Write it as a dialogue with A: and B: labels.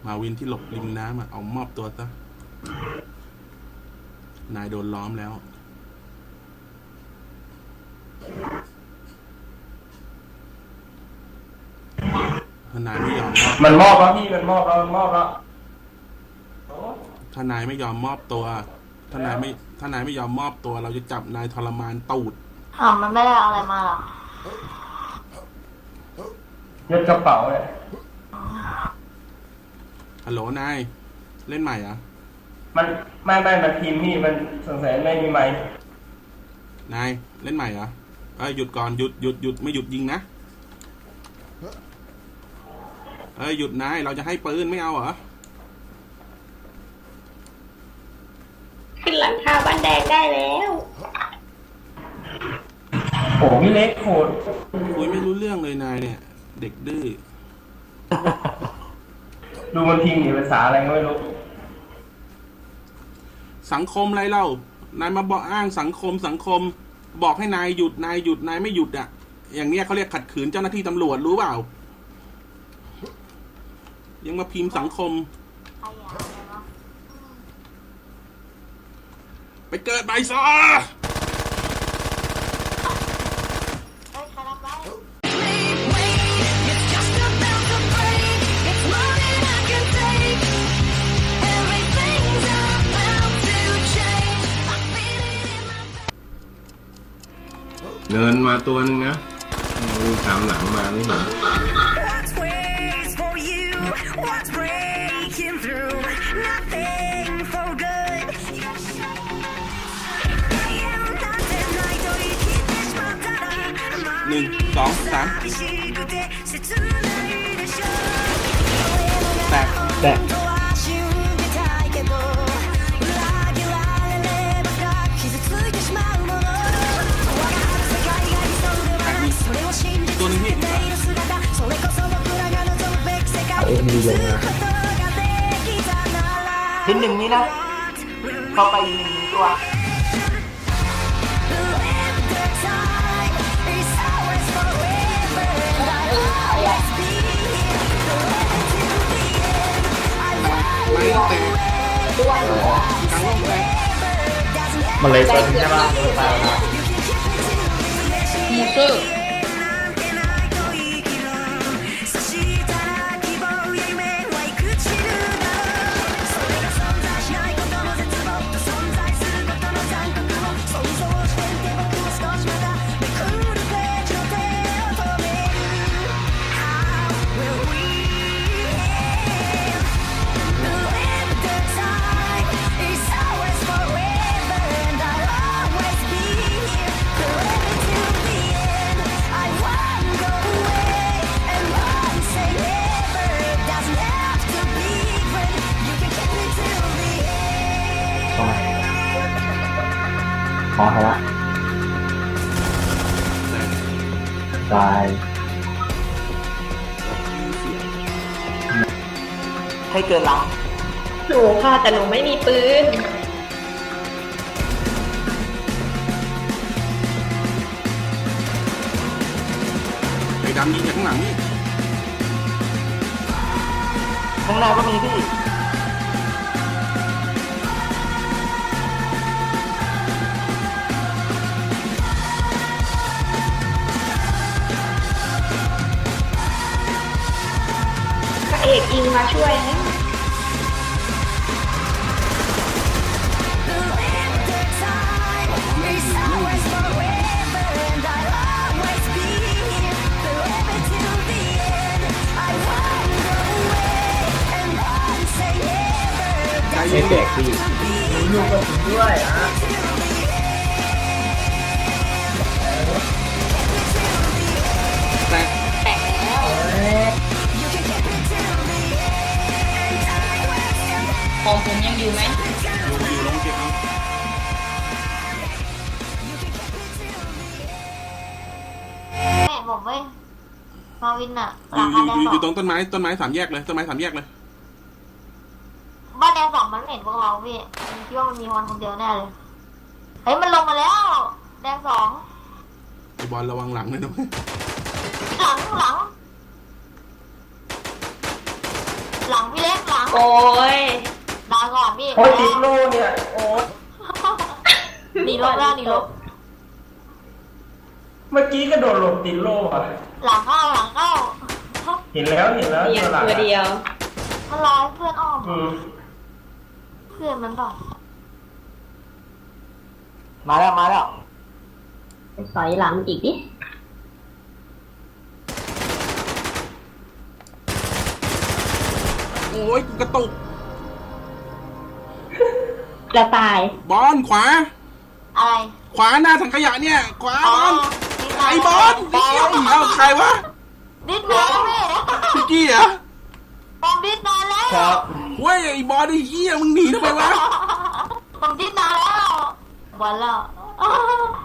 A: มาวินที่หลบริมน้ำเอามอบตัวซะนายโดนล้อมแล้วนายไม่ยอม
B: มันมอบแล้วพี่มันมอบแล้ว
A: ถ้านายไม่ยอมมอบตัวถ้านายไม่ยอมมอบตัวเราจะจับนายทรมานตูด
C: มันไม่ได้เอาอะไรมาหรอ
B: ยัดกระเป๋าเลย
A: ฮัลโหลนายเล่นใหม่เหรอ
B: มันมันทีมพี่มันสงสัยไม่มีไมค์
A: นายเล่นใหม่เหรอหยุดก่อนหยุดไม่หยุดยิงนะหยุดนายเราจะให้ปืนไม่เอาเหรอ
C: ขึ้นหลังคาบ้านแดงได้แล้ว
B: โอ้พี่เล็กโหด
A: คุยไม่รู้เรื่องเลยนายเนี่ยเด็กดื้อ
B: ดูมันพิมพ์ภาษาอะไรไม่รู้
A: สังคมอะไรเล่านายมาบอกอ้างสังคมบอกให้นายหยุดนายไม่หยุดอ่ะอย่างเนี้ยเขาเรียกขัดขืนเจ้าหน้าที่ตำรวจรู้เปล่ายังมาพิมพ์สังคมไปเกิดใบซอ
D: เดินมาตัวนึงนะดูตามหลังมาไม่เห็น
A: 1 2 3แตกตัวนึงพี่
D: มีลงนะ
C: ทีหนึ่งนี้นะเข้าไปหนึ่งตัว
A: ไม่เตะกลางโลกเลย
B: มันเลยเป็นใช่ป่ะตายแล้ว
C: มูเตอร์
B: ขอละตาย
C: ให้เกินหลังหนูค่ะแต่หนูไม่มีปืน
A: ไอ้ดำยิงจากข้างหลังนี่
C: ข้างหน้าก็มีพี่เอกอิงมาช่วยนะ
D: ไม่แตกพี่
B: อยู่กับผมด้วย
A: แตก
C: ของผมยังอยู่ไหม
A: อยู่ลงเก็บเอา
C: แม่ผมเว้ยมาวินอะ
A: อยู่ตรงต้นไม้3 แยกเลยต้นไม้3 แยกเลย
C: บ้านแดง2มันเห็นพวกเราพี่คิดว่ามันมีคนเดียวแน่เลยเฮ้ยมันลงมาแล้วแดง2
A: ไอ้บอลระวังหลังเลยนะ
C: หลังพี่เล็กหลัง
E: โอ้ย
C: ลาก่อนพี่
B: โอ้ยติดโล่เนี่ยโอ้ย
C: หนีรถแล้วหนีรถ
B: เมื่อกี้ก็โดนหลบติดโล่อะ
C: หลังเข้าหลังเข้า
B: เห็นแล้ว
E: เดียว
B: หลัง
E: ตัวเดียว
C: มันรอให้เพื่อนอ้อม
B: อืม
C: เพื่อนมันต่อ
B: มาแล้วมาแล้ว
E: ไปสอยหลังอีกดิ
A: โอ้ยกูกระตุก
E: กระต่าย
A: บอลขวา
C: อะไร
A: ขวาหน้าถังขยะเนี่ย ขวา
C: อ๋อบ
A: อลไอ้บอลไอ้เหี้ยเอาใครวะ
C: ดิ้นมาแล้วพี่
A: พี่กี้เหรอ
C: ผมดิ้นมาแล้ว
B: ครับ
A: เว้ยไอ้บอลไอ้เหี้ยมึงหนีทำไมวะ
C: ผมดิ้นมาแล้ววันแล้ว